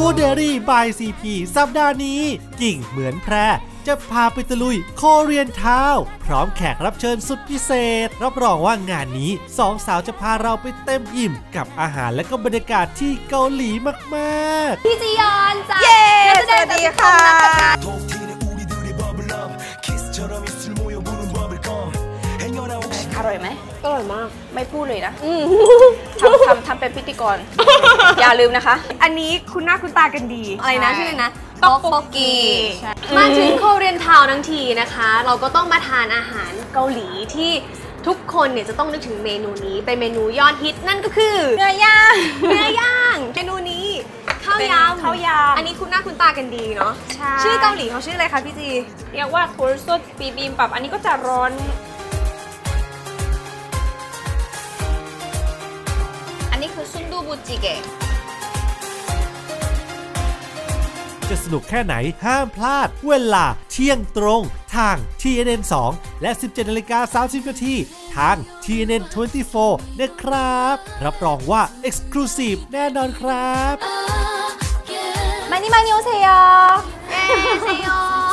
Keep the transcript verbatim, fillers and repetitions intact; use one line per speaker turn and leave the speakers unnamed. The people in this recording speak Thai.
Food Diary by ซี พี สัปดาห์นี้กิ่งเหมือนแพรจะพาไปตะลุยโคเรียนทาวน์พร้อมแขกรับเชิญสุดพิเศษรับรองว่างานนี้สองสาวจะพาเราไปเต็มอิ่มกับอาหารและก็บรรยากาศที่เกาหลีมาก
ๆพี่จียอนจ้า
เย้สวัสดีค่ะ
อร่อยไหม
อร่อยมาก
ไม่พูดเลยนะทำทำทำเป็นพิธีกรอย่าลืมนะคะ
อันนี้คุณหน้าคุณตากันดี
อะไรนะชื่อนะต๊อกโบกี
มาถึงโคเรียนทาวน์ทั้งทีนะคะเราก็ต้องมาทานอาหารเกาหลีที่ทุกคนเนี่ยจะต้องนึกถึงเมนูนี้เป็นเมนูยอดฮิตนั่นก็คือ
เนื้อย่าง
เนื้อย่างเมนูนี้ข้าวยำ
ข้าวยำ
อันนี้คุณหน้าคุณตากันดีเนาะ
ชื่อเกาหลีเขาชื่ออะไรคะพี่จี
เรียกว่าโทรซดบีบิมปับอันนี้ก็จะร้อน
อันนี้คือซุนดูบุจิเกะ
จะสนุกแค่ไหนห้ามพลาดเวลาเที่ยงตรงทาง ที เอ็น เอ็น สอง และ สิบเจ็ดนาฬิกาสามสิบนาทีทาง ที เอ็น เอ็น ยี่สิบสี่ นะครับรับรองว่า Exclusive แน่นอนครับ
มานี่มานิโอเซโย
เอเซโย